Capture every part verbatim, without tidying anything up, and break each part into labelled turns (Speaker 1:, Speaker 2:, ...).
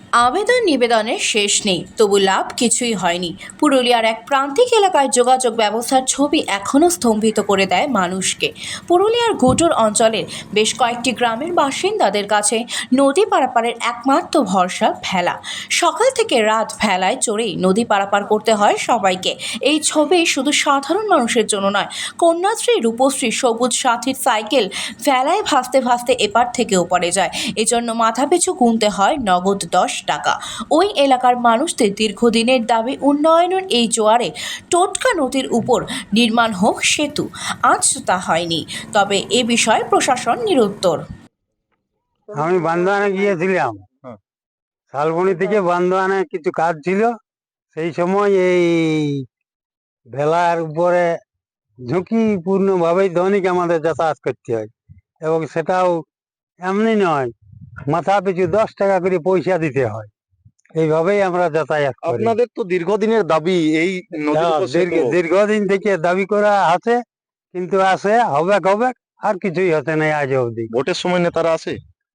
Speaker 1: আবেদন নিবেদনের শেষ নেই, তবু লাভ কিছুই হয়নি। পুরুলিয়ার এক প্রান্তিক এলাকায় যোগাযোগ ব্যবস্থার ছবি এখনও স্তম্ভিত করে দেয় মানুষকে। পুরুলিয়ার ঘুটুর অঞ্চলের বেশ কয়েকটি গ্রামের বাসিন্দাদের কাছে নদী পারাপারের একমাত্র ভরসা ভেলা। সকাল থেকে রাত ভেলায় চড়েই নদী পারাপার করতে হয় সবাইকে। এই ছবি শুধু সাধারণ মানুষের জন্য নয়, কন্যাশ্রী, রূপশ্রী, সবুজ সাথীর সাইকেল ভেলায় ভাসতে ভাসতে এপার থেকে ওপারে যায়। এজন্য মাথাপিছু গুনতে হয় নগদ দশ টাকা। ওই এলাকার মানুষদের দীর্ঘদিনের দাবি উন্নয়নের এই জোয়ারে টোটকা নদীর উপর নির্মাণ হোক সেতু। আজ তা হয়নি, তবে এ বিষয়ে প্রশাসন নিরুত্তর।
Speaker 2: আমি বান্দোয়ানে গিয়েছিলাম, শালবনি থেকে বান্দোয়ানে কিছু কাজ ছিল। সেই সময় এই ভেলার উপরে ঝুঁকিপূর্ণ ভাবেই দৈনিক আমাদের যাতায়াত করতে হয়, এবং সেটাও এমনি নয়, মাথা পিছু দশ টাকা করে পয়সা দিতে হয়। এইভাবেই আমরা যাতায়াত করি।
Speaker 3: আপনাদের তো দীর্ঘদিনের দাবি এই নদীর উপর সেতু।
Speaker 2: দীর্ঘ- দীর্ঘদিন থেকে দাবি করা আছে, কিন্তু আছে হবে হবে আর কিছুই হতে নেই আজ অবধি।
Speaker 3: ভোটের সময় নেতারা আসে,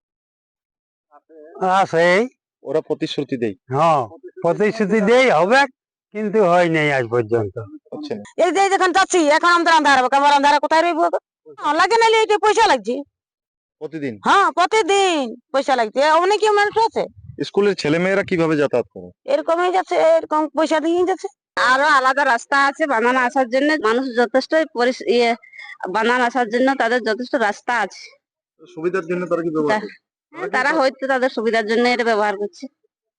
Speaker 2: আছে,
Speaker 3: ওরা প্রতিশ্রুতি দেয়,
Speaker 2: হ্যাঁ প্রতিশ্রুতি দেই হবে, কিন্তু হয় নাই আজ পর্যন্ত।
Speaker 3: হচ্ছে না।
Speaker 4: এই যে যখন যাচ্ছি এখন আমাদের আন্ধার হবে, আমার আন্ধার কোথায় রইব? লাগে নাহলে এটা পয়সা লাগছে।
Speaker 3: প্রতিদিন
Speaker 4: হ্যাঁ প্রতিদিন পয়সা লাগছে, অনেকে মানুষ আছে
Speaker 3: স্কুলের ছেলে মেয়েরা কিভাবে যাতায়াত করে?
Speaker 4: এরকমই যাচ্ছে, এরকম পয়সা দিয়ে যাচ্ছে। আরো আলাদা রাস্তা আছে বানানো আসার জন্য, মানুষ যথেষ্ট পরিস- ইয়ে বানানো আসার জন্য তাদের যথেষ্ট রাস্তা আছে।
Speaker 3: সুবিধার জন্য তারা কি ব্যবহার করে?
Speaker 4: হ্যাঁ, তারা হয়তো তাদের সুবিধার জন্য এটা ব্যবহার করছে।